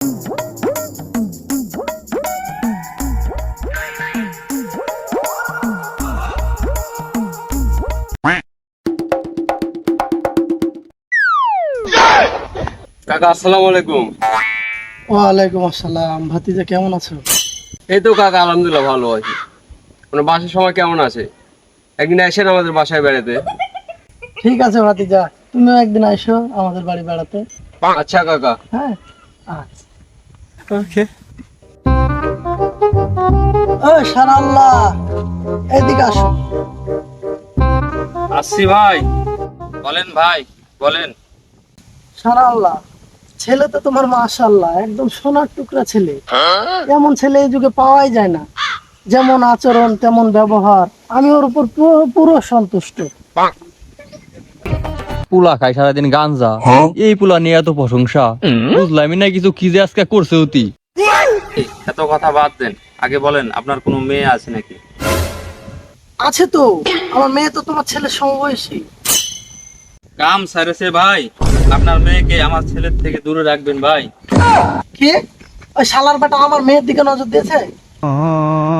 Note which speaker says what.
Speaker 1: কাকা আসসালামু আলাইকুম।
Speaker 2: ওয়ালাইকুম আসসালাম। ভাতিজা কেমন আছো?
Speaker 1: এই তো কাকা আলহামদুলিল্লাহ ভালো আছি। আপনার বাসার সময় কেমন আছে? একদিন আসেন আমাদের বাসায় বেড়াতে।
Speaker 2: ঠিক আছে ভাতিজা, তুমিও একদিন আইসো আমাদের বাড়ি বেড়াতে।
Speaker 1: আচ্ছা কাকা।
Speaker 2: হ্যাঁ আচ্ছা।
Speaker 1: ওকে।
Speaker 2: ও সারাল্লাহ, এদিকে আসো।
Speaker 1: আসছি ভাই। বলেন ভাই, বলেন।
Speaker 2: সারাল্লাহ, ছেলে তো তোমার মাশাআল্লাহ একদম সোনার টুকরা ছেলে। এমন ছেলে এই যুগে পাওয়াই যায় না। যেমন আচরণ তেমন ব্যবহার, আমি ওর উপর পুরো সন্তুষ্ট।
Speaker 3: পুলা খায় সারাদিন গাঞ্জা, এই পুলা নিয়ে এত প্রশংসা বুঝলামই না কিছু, কি যে আজকে করছে অতি।
Speaker 1: এত কথা বাদ দেন, আগে বলেন আপনার কোনো মেয়ে আছে নাকি?
Speaker 2: আছে তো, আমার মেয়ে তো তোমার ছেলের সমবয়সী।
Speaker 1: কাম সারেছে ভাই, আপনার মেয়েকে আমার ছেলের থেকে দূরে রাখবেন ভাই।
Speaker 2: কে? ওই শালার বেটা আমার মেয়ের দিকে নজর দিয়েছে।